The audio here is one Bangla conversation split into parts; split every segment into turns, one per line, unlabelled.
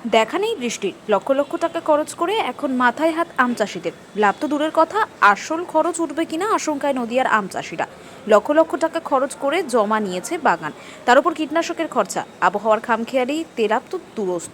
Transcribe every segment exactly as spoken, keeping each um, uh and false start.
দেখা নেই বৃষ্টির, লক্ষ লক্ষ টাকা খরচ করে এখন মাথায় হাত আম চাষিদের। লাভ তো দূরের কথা, আসল খরচ উঠবে কিনা আশঙ্কায় নদিয়ার আম চাষিরা। লক্ষ লক্ষ টাকা খরচ করে জমা নিয়েছে বাগান, তার উপর কীটনাশকের খরচা, আবহাওয়ার খামখেয়ালি, তেলাপ তো দূরস্থ।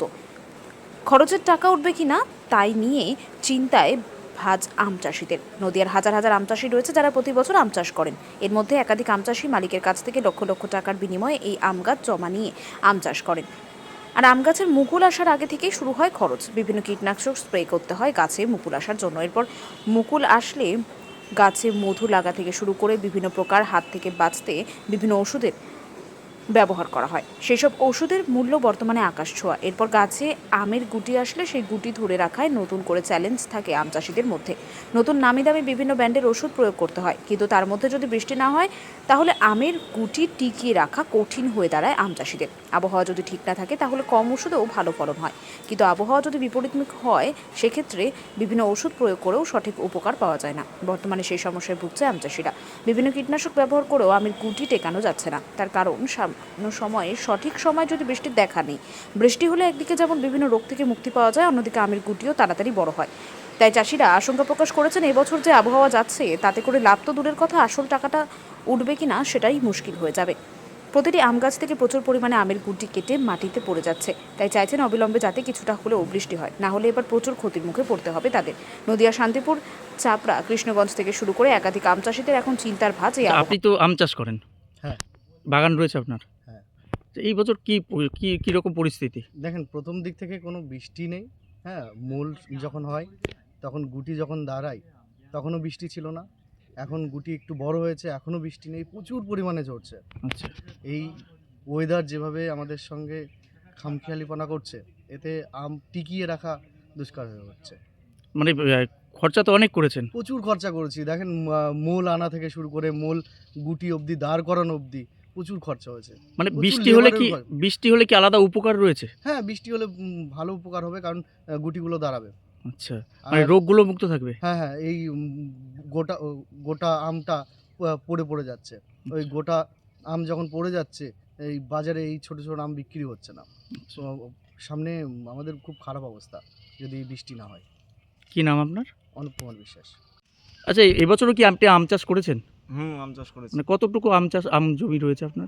খরচের টাকা উঠবে কিনা তাই নিয়ে চিন্তায় ভাজ আম চাষিদের। নদিয়ার হাজার হাজার আম চাষি রয়েছে যারা প্রতি বছর আম চাষ করেন। এর মধ্যে একাধিক আম চাষি মালিকের কাছ থেকে লক্ষ লক্ষ টাকার বিনিময়ে এই আম গাছ জমা নিয়ে আম চাষ করেন। আর আম গাছের মুকুল আসার আগে থেকেই শুরু হয় খরচ। বিভিন্ন কীটনাশক স্প্রে করতে হয় গাছে মুকুল আসার জন্য। এরপর মুকুল আসলে গাছে মধু লাগা থেকে শুরু করে বিভিন্ন প্রকার হাত থেকে বাঁচতে বিভিন্ন ওষুধের ব্যবহার করা হয়। সেসব ওষুধের মূল্য বর্তমানে আকাশ ছোঁয়া। এরপর গাছে আমের গুটি আসলে সেই গুটি ধরে রাখায় নতুন করে চ্যালেঞ্জ থাকে আম চাষিদের মধ্যে। নতুন নামি দামি বিভিন্ন ব্র্যান্ডের ওষুধ প্রয়োগ করতে হয়, কিন্তু তার মধ্যে যদি বৃষ্টি না হয় তাহলে আমের গুটি টিকিয়ে রাখা কঠিন হয়ে দাঁড়ায় আম চাষিদের। আবহাওয়া যদি ঠিক না থাকে তাহলে কম ওষুধেও ভালো ফলন হয়, কিন্তু আবহাওয়া যদি বিপরীতমুখ হয় সেক্ষেত্রে বিভিন্ন ওষুধ প্রয়োগ করেও সঠিক উপকার পাওয়া যায় না। বর্তমানে সেই সমস্যায় ভুগছে আম চাষিরা। বিভিন্ন কীটনাশক ব্যবহার করেও আমের গুটি টেকানো যাচ্ছে না। তার কারণ সামান্য সময়ে সঠিক সময় যদি বৃষ্টির দেখা নেই। বৃষ্টি হলে একদিকে যেমন বিভিন্ন রোগ থেকে মুক্তি পাওয়া যায়, অন্যদিকে আমের গুটিও তাড়াতাড়ি বড় হয়। তাই চাষিরা আশঙ্কা প্রকাশ করেছেন এবছর যে আবহাওয়া যাচ্ছে তাতে করে লাভ তো দূরের কথা, আসল টাকাটা উঠবে কিনা সেটাই মুশকিল হয়ে যাবে। প্রতিটি আম গাছ থেকে প্রচুর পরিমাণে আমের গুটি কেটে মাটিতে পড়ে যাচ্ছে। তাই চাইছেন অবিলম্বে যাতে কিছুটা হলেও বৃষ্টি হয়, না হলে এবার প্রচুর ক্ষতির মুখে পড়তে হবে তাদের। নদিয়া, শান্তিপুর, চাপড়া, কৃষ্ণগঞ্জ থেকে শুরু করে একাধিক আম চাষিদের এখন চিন্তার ভাঁজ এই আবহাওয়া।
আপনি তো আম চাষ করেন,
হ্যাঁ,
বাগান রয়েছে আপনার।
হ্যাঁ।
তো এই বছর কি প- কি কি রকম পরিস্থিতি?
দেখেন, প্রথম দিক থেকে কোনো বৃষ্টি নেই। হ্যাঁ, মূল যখন হয় তখন গুটি যখন দাঁড়ায় তখনও বৃষ্টি ছিল না। এখন গুটি একটু বড় হয়েছে, এখনও বৃষ্টি নেই, প্রচুর পরিমাণে ঝরছে।
আচ্ছা,
এই ওয়েদার যেভাবে আমাদের সঙ্গে খামখেয়ালিপনা করছে, এতে আম টিকিয়ে রাখা দুষ্কার হয়ে হচ্ছে।
মানে আহ, খরচা তো অনেক করেছেন।
প্রচুর খরচা করেছি। দেখেন, আহ, মূল আনা থেকে শুরু করে মূল গুটি অবধি, দাঁড় করানো অবধি প্রচুর খরচা হয়েছে।
মানে
প্রচুর
বৃষ্টি হলে কি
লেবারের খরচ।
বৃষ্টি হলে কি আলাদা উপকার রয়েছে?
হ্যাঁ, বৃষ্টি হলে উম, ভালো উপকার হবে, কারণ আহ, গুটিগুলো দাঁড়াবে।
আচ্ছা, মানে
আর
রোগগুলো মুক্ত থাকবে।
হ্যাঁ, হ্যাঁ, এই উম গোটা ও গোটা আমটা প পড়ে, পড়ে যাচ্ছে। ওই গোটা আম যখন পড়ে যাচ্ছে, এই বাজারে এই ছোট, ছোট আম বিক্রি হচ্ছে না। তো সামনে আমাদের খুব খারাপ অবস্থা যদি বৃষ্টি না হয়।
কি নাম আপনার?
অনুপ কুমার বিশ্বাস।
আচ্ছা, এ- এবছরও কি আপনি আম চাষ করেছেন?
হুম, আম চাষ করেছি।
মানে কতটুকু আম চাষ আম জমি রয়েছে আপনার?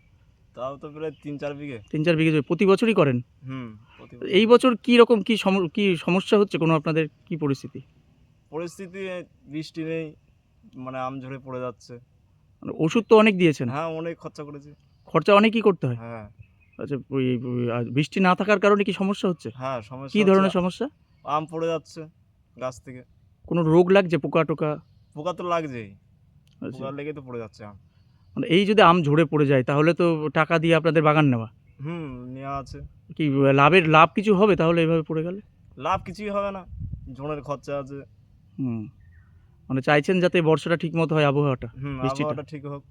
তাও তো প্রায় তিন চার বিঘে।
তিন চার বিঘে জমি প্রতি বছরই করেন?
হুম, প্রতি বছর।
এই বছর কি রকম কি সম- কি সমস্যা হচ্ছে কোনো আপনাদের, কি পরিস্থিতি?
পরিস্থিতি বৃষ্টি নেই, মানে আম ঝরে পড়ে যাচ্ছে।
মানে ওষুধ তো অনেক দিয়েছেন,
হ্যাঁ, অনেক খরচা করেছি।
খরচা অনেকই করতে হয়।
হ্যাঁ,
আচ্ছা, ওই ওই, আর বৃষ্টি না থাকার কারণে কি সমস্যা হচ্ছে?
হ্যাঁ, সমস্যা
কি
হচ্ছে।
ধরনের সমস্যা?
আম পড়ে যাচ্ছে গাছ থেকে।
কোনো রোগ লাগছে, পোকা টোকা?
পোকা তো লাগছেই,
আচ্ছা,
পোকা লেগে তো পড়ে যাচ্ছে আম।
মানে এই যদি আম ঝরে পড়ে যায় তাহলে তো টাকা দিয়ে আপনাদের বাগান নেওয়া,
হুম, নেওয়া আছে।
কি লাভের লাভ কিছু হবে তাহলে এভাবে পড়ে গেলে?
লাভ কিছুই হবে না, ঝোনের খরচা আছে।
হুম, মানে চাইছেন যাতে বর্ষাটা ঠিক মতো হয়, আবহাওয়াটা,
হুম,
বৃষ্টিটা।
আবহাওয়াটা ঠিক হোক।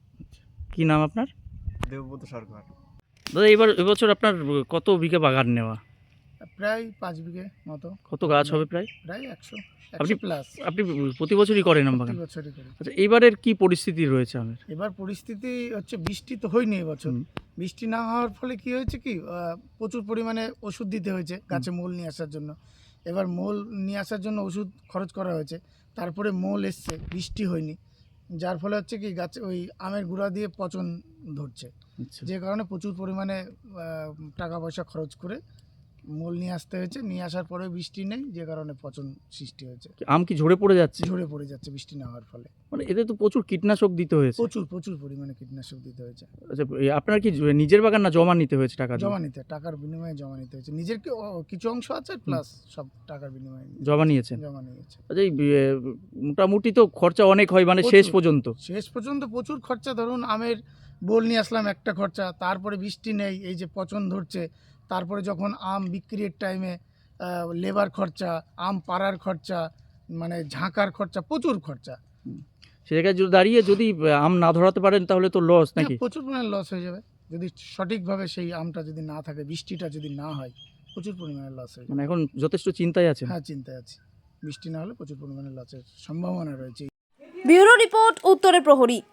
কি নাম আপনার?
দেবব্রত সরকার।
দাদা, এবার এবছর আপনার কত বিঘা বাগান নেওয়া?
প্রায় পাঁচ বিঘে মতো।
কত গাছ হবে প্রায়?
প্রায় একশো
আপনি
একশো প্লাস
আপনি প্রতি বছরই করেন আম
প্রতি
বাগান?
বছরই করি।
আচ্ছা, এইবারের কি পরিস্থিতি রয়েছে আমের?
এবার পরিস্থিতি হচ্ছে বৃষ্টি তো হয়নি এবছর।
হুম,
বৃষ্টি না হওয়ার ফলে কি হয়েছে কি আহ, প্রচুর পরিমাণে ওষুধ দিতে হয়েছে গাছে মূল নিয়ে আসার জন্য। এবার মূল নিয়ে আসার জন্য ওষুধ খরচ করা হয়েছে, তারপরে মূল এসছে, বৃষ্টি হয়নি, যার ফলে হচ্ছে কি গাছে ওই আমের গুঁড়া দিয়ে পচন ধরছে,
আচ্ছা,
যে কারণে প্রচুর পরিমাণে আহ, টাকা পয়সা খরচ করে মূল নিয়ে আসতে হয়েছে। নিয়ে আসার পরে বৃষ্টি নেই, যে কারণে পচন সৃষ্টি হয়েছে,
আম কি ঝরে পড়ে যাচ্ছে?
ঝরে পড়ে যাচ্ছে বৃষ্টি না হওয়ার ফলে।
মানে এতে তো প্রচুর কীটনাশক দিতে হয়েছে।
প্রচুর প্রচুর পরিমাণে কীটনাশক দিতে হয়েছে।
আচ্ছা, এই আপনার কি নিজের বাগান না জমা নিতে হয়েছে টাকা দিয়ে?
জমা নিতে, টাকার বিনিময়ে জমা নিতে হয়েছে। নিজের কি- ও, কিছু অংশ আছে, প্লাস সব টাকার বিনিময়ে নিতে
জমা
হয়েছে।
নিয়েছেন?
জমা নিয়েছে।
আচ্ছা, এই এ, মোটামুটি তো খরচা অনেক হয়, মানে শেষ
প্রচুর।
পর্যন্ত।
শেষ পর্যন্ত প্রচুর খরচা। ধরুন আমের বোল নিয়ে আসলাম, একটা খরচা, তারপরে বৃষ্টি নেই, এই যে পচন ধরছে, তারপরে যখন আম বিক্রির টাইমে লেবার খরচা, আম পাড়ার খরচা, মানে ঝাঁকার খরচা, প্রচুর খরচা।
সে জায়গায় যদি দাঁড়িয়ে যদি আম না ধরাতে পারেন তাহলে তো লস
হ্যাঁ,
নাকি?
প্রচুর পরিমাণে লস হয়ে যাবে যদি সঠিকভাবে সেই আমটা যদি না থাকে, বৃষ্টিটা যদি না হয়, প্রচুর পরিমাণে লস হয়ে যাবে।
মানে এখন যথেষ্ট চিন্তায় আছেন।
হ্যাঁ, চিন্তায় আছি। বৃষ্টি না হলে প্রচুর পরিমাণে লসের সম্ভাবনা রয়েছে।
ব্যুরো রিপোর্ট, উত্তরের প্রহরী।